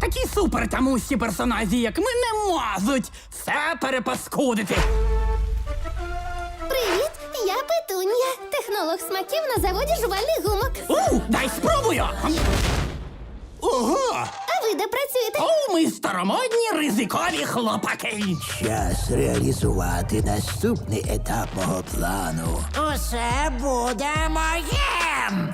Такі супертамусі персонажі, як ми, не можуть все перепаскудити. Привіт, я Петунія, технолог смаків на заводі жувальних гумок. Дай спробую! Ого! А ви де працюєте? Ми старомодні ризикові хлопаки. Час реалізувати наступний етап мого плану. Усе буде моїм!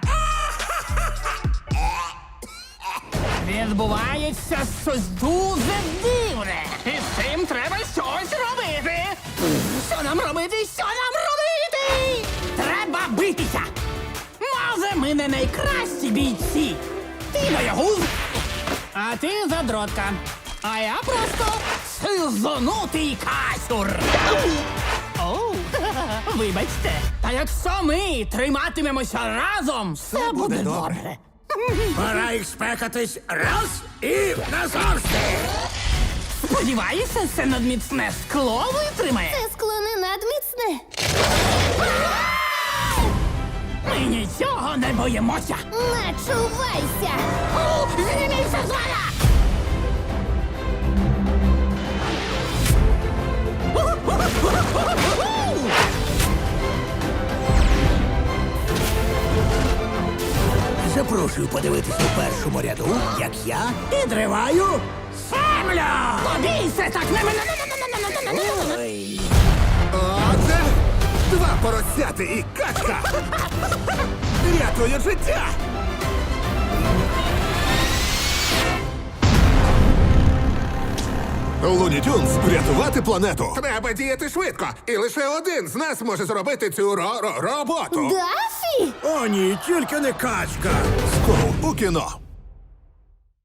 Відбувається щось дуже дивне. І з цим треба щось робити. Що нам робити? Що нам робити? Треба битися. Може, ми не найкращі бійці. Ти боягуз, а ти задротка. А я просто сизонутий касюр. Оу, вибачте. Та якщо ми триматимемося разом, все буде добре. Пора їх спекатись раз і назавжди! Сподіваюся, це надміцне скло витримає. Це скло не надміцне. Ми нічого не боїмося. Начувайся! Зніміться з мене! Запрошую подивитися у першому ряду, як я підриваю землю! Побійся так! Ой. Отже, два поросяти і качка! Рятує життя! Луні Тюнс, врятувати планету! Треба діяти швидко, і лише один з нас може зробити цю роботу. Дафі! О, ні, тільки не качка! Скоро у кіно.